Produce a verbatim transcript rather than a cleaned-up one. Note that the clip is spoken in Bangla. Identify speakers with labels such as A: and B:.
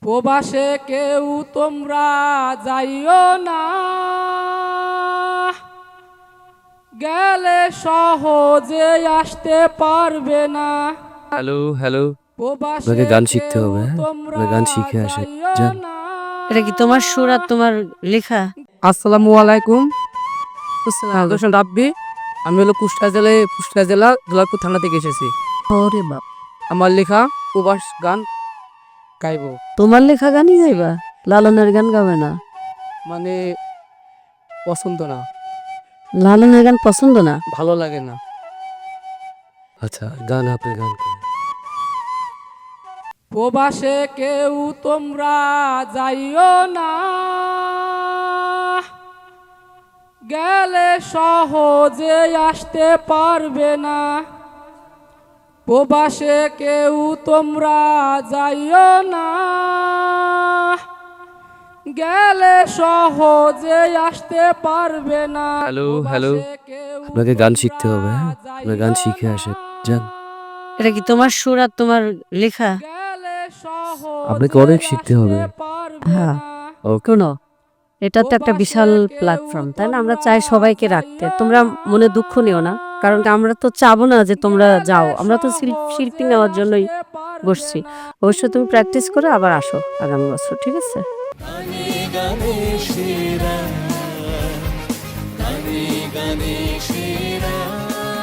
A: প্রবাসে কেউ তোমরা যাইও না, গেলে সহজে আসতে পারবে না।
B: হ্যালো হ্যালো
A: প্রবাসে
B: আপনাকে গান শিখতে
A: কেউ
B: হবে, হ্যাঁ?
A: তোমরা
B: আপনাকে গান শিখে আসে
A: যাইও
B: যান।
A: না।
C: এটা কি তোমার সুর আর তোমার লেখা?
D: আসসালামু আলাইকুম। দোষণ রাব্বি। আমি হলো কুষ্টিয়া জেলায় কুষ্টিয়া জেলা দুলারপুর থানা থেকে এসেছি।
C: ওরে বাপ,
D: আমার লেখা প্রবাস গান গাইব।
C: তোমার লেখা গানই গাইবা? লালনের গান গাবে না?
D: মানে পছন্দ না,
C: লালনের গান পছন্দ না?
D: ভালো লাগে না।
B: আচ্ছা গান আপনি গান করেন।
A: প্রবাসে কেউ তোমরা যাইও না, গেলে সহজে আসতে পারবে না। প্রবাসে কেউ তোমরা যাইও না, গেলে সহজে আসতে পারবে না।
B: হ্যালো হ্যালো
A: প্রবাসে কেউ
B: আপনাকে গান
A: তোমরা
B: শিখতে হবে, হ্যাঁ? আপনাকে গান শিখে
A: যাইও
B: আসে
A: না।
B: যান।
C: এটা কি তোমার সুর আর তোমার লেখা?
A: গেলে
B: আপনাকে
A: সহজে
B: অনেক শিখতে হবে।
A: আসতে পারবে
C: হ্যাঁ।
A: না।
B: ওকে
C: শোনো, এটা তো একটা বিশাল প্ল্যাটফর্ম, তাই না? আমরা চাই সবাইকে রাখতে। তোমরা মনে দুঃখ নিও না, কারণ কি আমরা তো চাবো না যে তোমরা যাও। আমরা তো শিল- শিল্পী নেওয়ার জন্যই বসছি। অবশ্যই তুমি প্র্যাকটিস করে আবার আসো আগামী বছর, ঠিক আছে?
E: গানে গানে সেরা